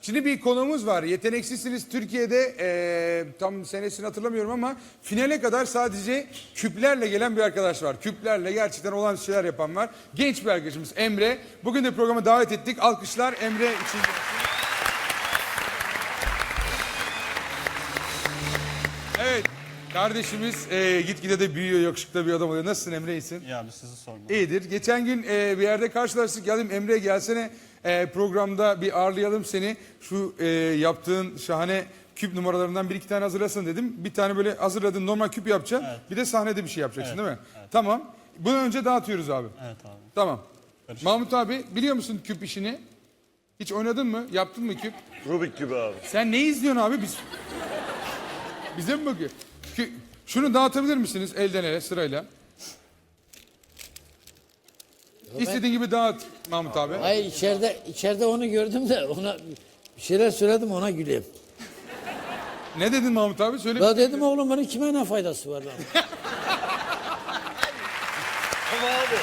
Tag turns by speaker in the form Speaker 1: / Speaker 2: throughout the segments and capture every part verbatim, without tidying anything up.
Speaker 1: Şimdi bir konuğumuz var. Yeteneksizsiniz Türkiye'de e, tam senesini hatırlamıyorum ama finale kadar sadece küplerle gelen bir arkadaş var. Küplerle gerçekten olan şeyler yapan var. Genç bir arkadaşımız Emre. Bugün de programa davet ettik. Alkışlar Emre için. Evet. Kardeşimiz e, gitgide de büyüyor, yakışıklı bir adam oluyor. Nasılsın Emre, iyisin?
Speaker 2: Ya abi sizi sormadım.
Speaker 1: İyidir. Geçen gün e, bir yerde karşılaştık. Geldim Emre gelsene e, programda bir ağırlayalım seni. Şu e, yaptığın şahane küp numaralarından bir iki tane hazırlasın dedim. Bir tane böyle hazırladın normal küp yapacaksın.
Speaker 2: Evet.
Speaker 1: Bir de sahnede bir şey yapacaksın
Speaker 2: Evet,
Speaker 1: değil mi?
Speaker 2: evet.
Speaker 1: Tamam. Bunu önce dağıtıyoruz abi.
Speaker 2: Evet abi.
Speaker 1: Tamam.
Speaker 2: Karışık.
Speaker 1: Mahmut abi biliyor musun küp işini? Hiç oynadın mı? Yaptın mı küp?
Speaker 3: Rubik gibi abi.
Speaker 1: Sen ne izliyorsun abi biz? Bize mi bakıyor? Kü- Şunu dağıtabilir misiniz elden ele sırayla? İstediğin gibi dağıt Mahmut abi.
Speaker 4: Hayır içeride içeride onu gördüm de ona bir şeyler söyledim ona güleyim.
Speaker 1: Ne dedin Mahmut abi? Söyle.
Speaker 4: Ya dedim oğlum bunun kime ne faydası var lan?
Speaker 3: Ama abi.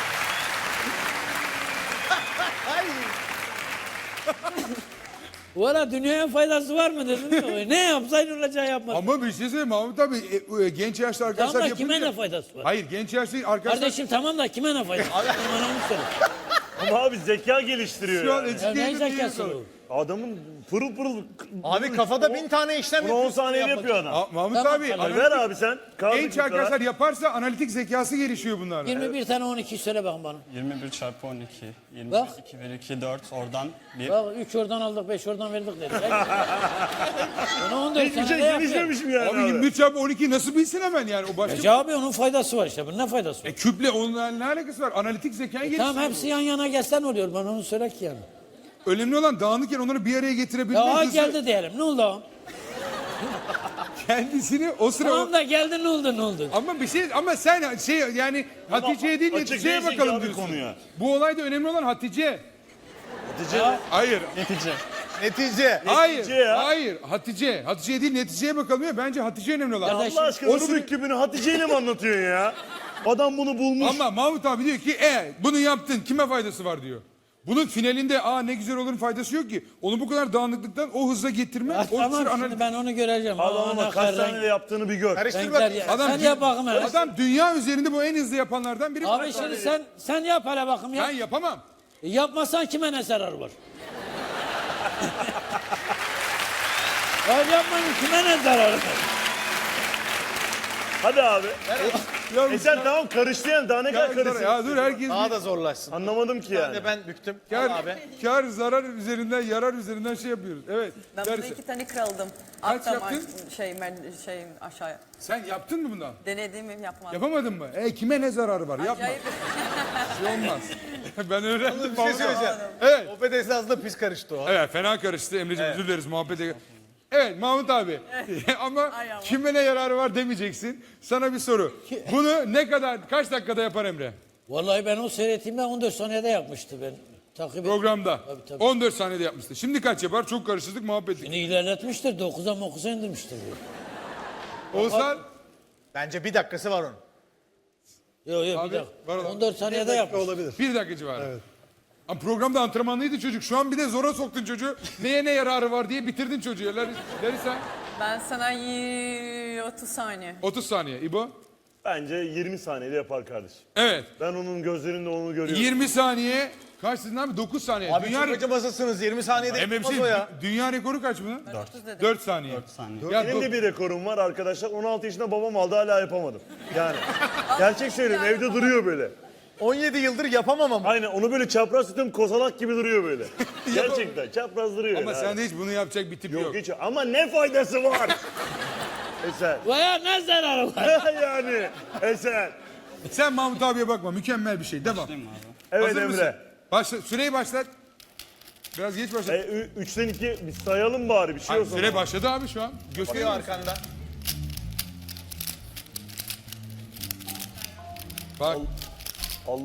Speaker 4: Bu ara dünyaya faydası var mı dedim. Ne yapsaydın olacağı yapmadın.
Speaker 1: Ama bir şey söyleyeyim Mahmut abi e, e, genç yaşlı arkadaşlar
Speaker 4: Tamam da
Speaker 1: yapınca...
Speaker 4: kime ne faydası var?
Speaker 1: Hayır genç yaşlı arkadaşlar...
Speaker 4: Kardeşim tamam da kime ne faydası var? Bana onu söyle.
Speaker 3: Ama abi zeka geliştiriyor
Speaker 1: Şu an
Speaker 3: yani.
Speaker 4: Ya ne
Speaker 1: educated değil
Speaker 4: zekası
Speaker 1: mi?
Speaker 4: bu?
Speaker 3: Adamın pırıl pırıl...
Speaker 5: Abi kafada bin tane işlem
Speaker 3: Bunu on
Speaker 5: yapıyorsun.
Speaker 3: saniyede yapıyor adam.
Speaker 1: Aa, Mahmut
Speaker 4: Tamam,
Speaker 1: abi
Speaker 4: tamam.
Speaker 3: Ver
Speaker 1: analitik,
Speaker 3: abi sen. Kaldı
Speaker 1: genç
Speaker 3: küpler.
Speaker 1: arkadaşlar yaparsa analitik zekası gelişiyor bunlarla.
Speaker 4: yirmi bir tane on iki söyle bakın bana.
Speaker 2: yirmi bir çarpı on iki. yirmi
Speaker 4: Bak.
Speaker 2: iki bir iki dört. Oradan bir.
Speaker 4: Bak üç oradan aldık beş oradan verdik dedi. Onu on dört
Speaker 3: Hiçbir şey
Speaker 4: senede yapıyor.
Speaker 3: gelişmemişim yani
Speaker 1: Abi
Speaker 3: abi.
Speaker 1: yirmi üç çarpı on iki nasıl bilsin hemen yani o başka...
Speaker 4: Recep abi onun faydası var işte. Bunun ne faydası var?
Speaker 1: E, küple onunla ne alakası var? Analitik zekayı geliştiriyor.
Speaker 4: Tamam hepsi yan yana gelsen oluyor. Bana onu söyle ki yani.
Speaker 1: Önemli olan dağınıkken onları bir araya getirebilmek.
Speaker 4: Ya ha
Speaker 1: hızı-
Speaker 4: geldi diyelim. Ne oldu o?
Speaker 1: Kendisini o sıra...
Speaker 4: Tamam da geldi ne oldu ne oldu?
Speaker 1: Ama bir şey ama sen şey yani Hatice'ye değil
Speaker 3: açık
Speaker 1: neticeye
Speaker 3: değilsin
Speaker 1: bakalım
Speaker 3: abi
Speaker 1: diyorsun.
Speaker 3: konuya.
Speaker 1: Bu olayda önemli olan Hatice.
Speaker 3: Hatice.
Speaker 1: Hayır.
Speaker 2: Netice.
Speaker 5: Netice.
Speaker 1: Hayır.
Speaker 3: ya.
Speaker 1: Hayır. Hatice. Hatice'ye değil neticeye bakalım ya. Bence Hatice önemli olan.
Speaker 4: Kardeşim,
Speaker 3: Allah aşkına
Speaker 1: o sıra-
Speaker 3: Rubik kübünü Hatice ile mi anlatıyorsun ya? Adam bunu bulmuş.
Speaker 1: Ama Mahmut abi diyor ki e bunu yaptın kime faydası var diyor. Bunun finalinde aa ne güzel olurun faydası yok ki. Onu bu kadar dağınıklıktan o hızla getirme.
Speaker 4: Ya
Speaker 1: o
Speaker 4: tamam
Speaker 1: sıra
Speaker 4: şimdi
Speaker 1: analiz-
Speaker 4: ben onu göreceğim.
Speaker 3: Adam ama
Speaker 4: Ana,
Speaker 3: kaç
Speaker 4: renk-
Speaker 3: saniyede yaptığını bir gör.
Speaker 5: Karıştır
Speaker 4: renkler
Speaker 5: bak.
Speaker 4: ya.
Speaker 1: Adam,
Speaker 4: Sen yap bakayım hele.
Speaker 1: adam dünya üzerinde bu en hızlı yapanlardan biri.
Speaker 4: Abi şimdi sen sen yap hele bakayım ya.
Speaker 1: Ben yapamam.
Speaker 4: E, yapmasan kime ne zarar var? Hayır yapmayın kime ne zarar var?
Speaker 3: Hadi abi.
Speaker 1: Ya,
Speaker 3: E sen tamam karıştı yani daha ne
Speaker 1: ya,
Speaker 3: kadar karışsın?
Speaker 1: ya dur herkes
Speaker 5: Daha da zorlaşsın.
Speaker 3: Anlamadım ki
Speaker 5: Ben
Speaker 3: yani.
Speaker 5: de ben büktüm.
Speaker 1: kar,
Speaker 5: Al abi.
Speaker 1: kar zarar üzerinden yarar üzerinden şey yapıyoruz. Evet.
Speaker 6: Ben
Speaker 1: Dersi.
Speaker 6: bunu iki tane kırıldım.
Speaker 1: Kaç
Speaker 6: Alttan
Speaker 1: yaptın?
Speaker 6: Şey, ben şey aşağıya.
Speaker 1: Sen yaptın mı bundan?
Speaker 6: Denediğimi yapmadım.
Speaker 1: Yapamadın mı? E kime ne zararı var? Yapma.
Speaker 6: Acayip.
Speaker 1: Bir şey olmaz. Ben öğrendim.
Speaker 5: Bir şey söyleyeceğim.
Speaker 1: Evet.
Speaker 5: Sohbet esnasında pis karıştı o.
Speaker 1: Evet fena karıştı Emre'ciğim özür dileriz muhabbete. Evet Mahmut abi ama
Speaker 6: Ay ama.
Speaker 1: kime ne yararı var demeyeceksin. Sana bir soru. Bunu ne kadar kaç dakikada yapar Emre?
Speaker 4: Vallahi ben o seyrettiğimde on dört saniyede yapmıştı ben. Takip ettim.
Speaker 1: Programda.
Speaker 4: Tabii, tabii.
Speaker 1: on dört saniyede yapmıştı. Şimdi kaç yapar? Çok karıştırdık muhabbet.
Speaker 4: Yine ilerletmiştir. dokuza mokuza indirmiştir. bu.
Speaker 1: Oğuzhan
Speaker 5: Bence bir dakikası var onun.
Speaker 4: Yok yok
Speaker 1: Abi,
Speaker 4: bir
Speaker 1: var
Speaker 4: dakika.
Speaker 1: olan.
Speaker 4: on dört saniyede yapmış.
Speaker 5: Olabilir.
Speaker 1: bir dakika civarı. Evet. Ama programda antrenmanlıydı çocuk. Şu an bir de zora soktun çocuğu. Neye ne yararı var diye bitirdin çocuğu. Laris- Larisa
Speaker 6: Ben sana y- otuz saniye.
Speaker 1: otuz saniye. İbo?
Speaker 3: Bence yirmi saniyede yapar kardeşim.
Speaker 1: Evet.
Speaker 3: Ben onun gözlerinde onu görüyorum.
Speaker 1: yirmi saniye. Kaç dedin abi? dokuz saniye.
Speaker 5: Abi
Speaker 1: Dünya
Speaker 5: çok acımasızsınız. yirmi saniyede
Speaker 1: M F
Speaker 5: yapmaz
Speaker 1: C
Speaker 5: o ya.
Speaker 1: dünya rekoru kaç bunun?
Speaker 6: Ben otuz dedim.
Speaker 1: dört saniye.
Speaker 2: dört saniye.
Speaker 1: Ya
Speaker 3: Benim
Speaker 1: do-
Speaker 3: de bir rekorum var arkadaşlar. on altı yaşında babam aldı hala yapamadım. Yani gerçek söylüyorum evde duruyor böyle.
Speaker 5: on yedi yıldır yapamam ama.
Speaker 3: Aynen onu böyle çapraz tutuyorum kozalak gibi duruyor böyle. Gerçekten çapraz duruyor.
Speaker 1: Ama
Speaker 3: yani.
Speaker 1: sende hiç bunu yapacak bir tip yok.
Speaker 3: Yok hiç ama ne faydası var? Eser.
Speaker 4: Veya ne zararı var?
Speaker 3: yani Eser.
Speaker 1: Sen Mahmut abiye bakma. Mükemmel bir şey. Devam.
Speaker 2: Değil mi abi?
Speaker 3: Evet
Speaker 1: Hazır
Speaker 3: Emre.
Speaker 1: mısın? Başla, süreyi başlat. Biraz geç başlat.
Speaker 3: E, ü- üçten iki biz sayalım bari bir şey
Speaker 1: Hayır,
Speaker 3: olsun.
Speaker 1: süre başladı abi şu an.
Speaker 5: Bakıyor
Speaker 1: Gösteriyor musun?
Speaker 5: arkanda.
Speaker 1: Bak.
Speaker 3: Allah.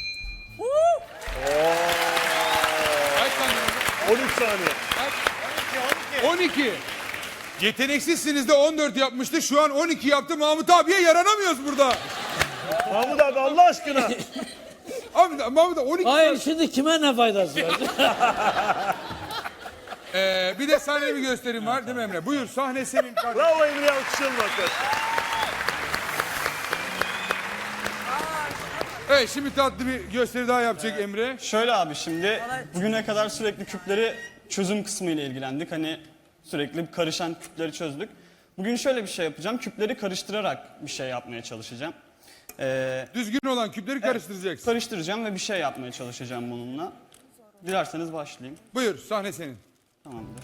Speaker 1: Kaç saniye oldu?
Speaker 3: on üç saniye.
Speaker 1: on iki. Yeteneksizsiniz de on dört yapmıştı. Şu an on iki yaptı. Mahmut abiye yaranamıyoruz burada.
Speaker 3: Mahmut abi Allah aşkına.
Speaker 1: Abi Mahmut abi on iki.
Speaker 4: Hayır şimdi kime ne faydası var?
Speaker 1: Ee, bir de sahne bir gösterim var değil mi Emre? Buyur sahne senin kardeşim.
Speaker 3: Bravo Emre'ye alkışlayalım arkadaşlar.
Speaker 1: Evet şimdi tatlı bir gösteri daha yapacak Emre.
Speaker 2: Şöyle abi şimdi
Speaker 6: Bana-
Speaker 2: bugüne kadar sürekli küpleri çözüm kısmı ile ilgilendik. Hani sürekli karışan küpleri çözdük. Bugün şöyle bir şey yapacağım. Küpleri karıştırarak bir şey yapmaya çalışacağım. Ee,
Speaker 1: Düzgün olan küpleri karıştıracaksın.
Speaker 2: karıştıracağım ve bir şey yapmaya çalışacağım bununla. Dilerseniz başlayayım.
Speaker 1: Buyur sahne senin.
Speaker 2: Tamamdır.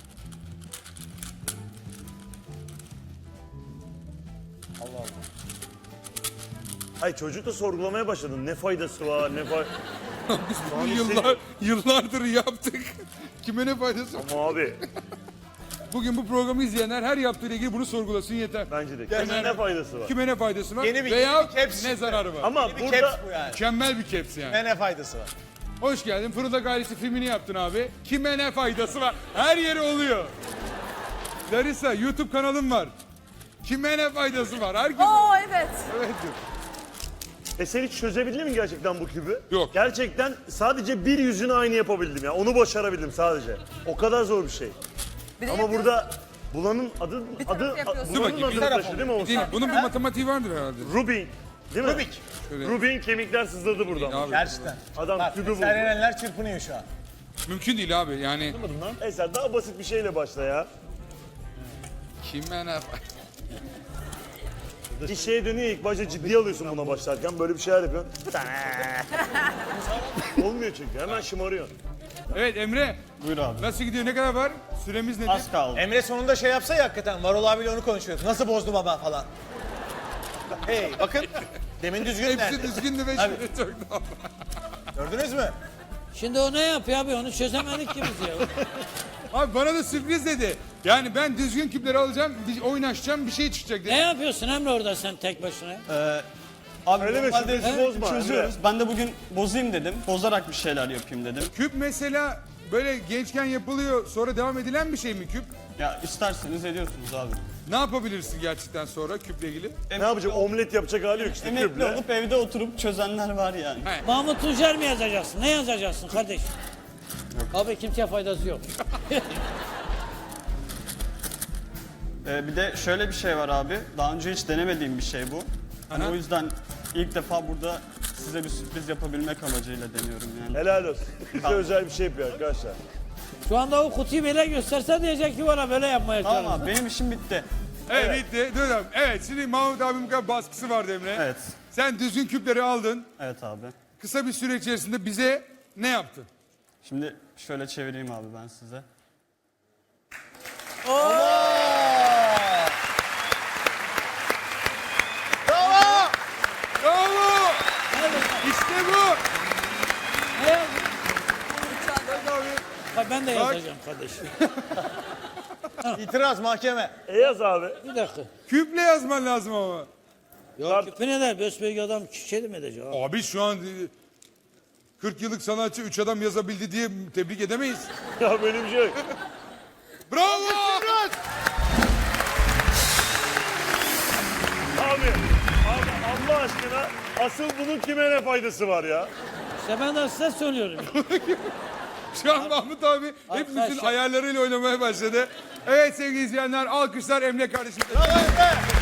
Speaker 3: Ay çocuk da sorgulamaya başladın. Ne faydası var, ne fay...
Speaker 1: Biz bunu yıllar, yıllardır yaptık. Kime ne faydası var?
Speaker 3: Ama abi
Speaker 1: Bugün bu programı izleyenler her yaptığıyla ilgili bunu sorgulasın yeter.
Speaker 3: bence de. Kendine ne faydası var?
Speaker 1: Kime ne faydası var
Speaker 5: Yeni bir-
Speaker 1: veya
Speaker 5: yeni bir caps
Speaker 1: ne
Speaker 5: çıktı.
Speaker 1: zararı var?
Speaker 3: Ama
Speaker 5: Bir
Speaker 3: burada
Speaker 5: caps bu yani.
Speaker 1: Mükemmel bir caps yani.
Speaker 5: Ne ne faydası var?
Speaker 1: Hoş geldin. Fırıldak ailesi filmini yaptın abi. Kime ne faydası var? Her yeri oluyor. Larissa YouTube kanalım var. Kime ne faydası var? Herkes...
Speaker 6: Oo evet.
Speaker 1: Evet diyor.
Speaker 3: e sen hiç çözebildin mi gerçekten bu kübü?
Speaker 1: Yok.
Speaker 3: Gerçekten sadece bir yüzünü aynı yapabildim ya. Onu başarabildim sadece. O kadar zor bir şey.
Speaker 6: Bir de
Speaker 3: Ama
Speaker 6: yapıyorsun.
Speaker 3: burada Bulan'ın adı
Speaker 6: Bir taraf
Speaker 3: adı
Speaker 6: yapıyorsun.
Speaker 1: Dur
Speaker 3: Bulan'ın
Speaker 1: bakayım, bir
Speaker 3: adını
Speaker 1: taraf
Speaker 3: taşı değil mi
Speaker 1: Değil,
Speaker 3: Oğuzhan?
Speaker 1: bunun bir matematiği vardır herhalde.
Speaker 3: Rubin. Değil mi?
Speaker 5: Rubik.
Speaker 1: Şöyle.
Speaker 3: Rubin kemikler sızladı buradan.
Speaker 1: Abi,
Speaker 5: Gerçekten.
Speaker 3: Adam
Speaker 5: Bak,
Speaker 3: kübü buldu.
Speaker 5: Serenenler çırpınıyor şu an.
Speaker 1: mümkün değil abi yani.
Speaker 3: Eser daha basit bir şeyle başla ya.
Speaker 1: Kime ne faydası?
Speaker 3: Bir şeye dönüyor ilk başta ciddiye alıyorsun buna başlarken. Böyle bir şeyler yapıyorsun. Olmuyor çünkü hemen şımarıyorsun.
Speaker 1: Evet Emre
Speaker 2: Buyur abi.
Speaker 1: nasıl gidiyor? Ne kadar var? Süremiz nedir?
Speaker 2: Az kaldı.
Speaker 5: Emre sonunda şey yapsa ya hakikaten. Varol abiyle onu konuşuyoruz. Nasıl bozdu baba falan. Hey bakın. Demin düzgün
Speaker 1: Hepsi
Speaker 5: nerede?
Speaker 1: düzgündü ve
Speaker 5: Abi.
Speaker 1: şimdi çok daha.
Speaker 5: Gördünüz mü?
Speaker 4: Şimdi o ne yapıyor abi onu çözemedik ki biz ya.
Speaker 1: Abi bana da sürpriz dedi. Yani ben düzgün küpleri alacağım, bir oynaşacağım, bir şey çıkacak dedi.
Speaker 4: Ne yapıyorsun Emre orada sen tek başına?
Speaker 2: Abi
Speaker 3: Öyle mi?
Speaker 2: normalde
Speaker 3: Sürprizi bozma.
Speaker 2: çözüyoruz. Ben de bugün bozayım dedim. Bozarak bir şeyler yapayım dedim.
Speaker 1: Küp mesela böyle gençken yapılıyor, sonra devam edilen bir şey mi küp?
Speaker 2: Ya isterseniz ediyorsunuz abi.
Speaker 1: Ne yapabilirsin gerçekten sonra küple ilgili?
Speaker 3: Ne yapacak? Omlet yapacak hali yok işte
Speaker 2: Emekli
Speaker 3: küple.
Speaker 2: olup evde oturup çözenler var yani.
Speaker 4: Mahmut Tuncer mi yazacaksın? Ne yazacaksın kardeşim? Abi kimseye faydası yok.
Speaker 2: Ee, bir de şöyle bir şey var abi. Daha önce hiç denemediğim bir şey bu. Hani
Speaker 1: Aha.
Speaker 2: o yüzden ilk defa burada size bir sürpriz yapabilmek amacıyla deniyorum yani.
Speaker 3: Helal olsun. Bize özel bir şey yapıyor arkadaşlar.
Speaker 4: Şu anda o kutuyu böyle gösterse diyecek ki bana böyle yapmaya
Speaker 2: Tamam
Speaker 4: çalışın.
Speaker 2: abi benim işim bitti.
Speaker 1: Evet, bitti. Dur abi. Evet şimdi Mahmut abimin kadar baskısı vardı Emre.
Speaker 2: Evet.
Speaker 1: Sen düzgün küpleri aldın.
Speaker 2: Evet abi.
Speaker 1: Kısa bir süre içerisinde bize ne yaptın?
Speaker 2: Şimdi şöyle çevireyim abi ben size.
Speaker 1: Bravo! İşte bu!
Speaker 4: Ne yazdın? Ha, ben de yazacağım kardeşim.
Speaker 5: İtiraz mahkeme.
Speaker 3: E yaz abi.
Speaker 4: Bir dakika.
Speaker 1: Küple yazman lazım ama.
Speaker 4: Ya küpüne de besbelli adam şey mi edecek abi?
Speaker 1: Abi şu an e, kırk yıllık sanatçı üç adam yazabildi diye tebrik edemeyiz.
Speaker 3: Ya böyle bir şey yok.
Speaker 1: Bravo!
Speaker 3: Abi, abi Allah aşkına asıl bunun kime ne faydası var ya?
Speaker 4: İşte ben de size söylüyorum.
Speaker 1: Şu an Mahmut abi hepimizin
Speaker 4: Arkadaşlar-
Speaker 1: ayarlarıyla oynamaya başladı. Evet sevgili izleyenler alkışlar Emre kardeşim.
Speaker 5: Bravo Emre.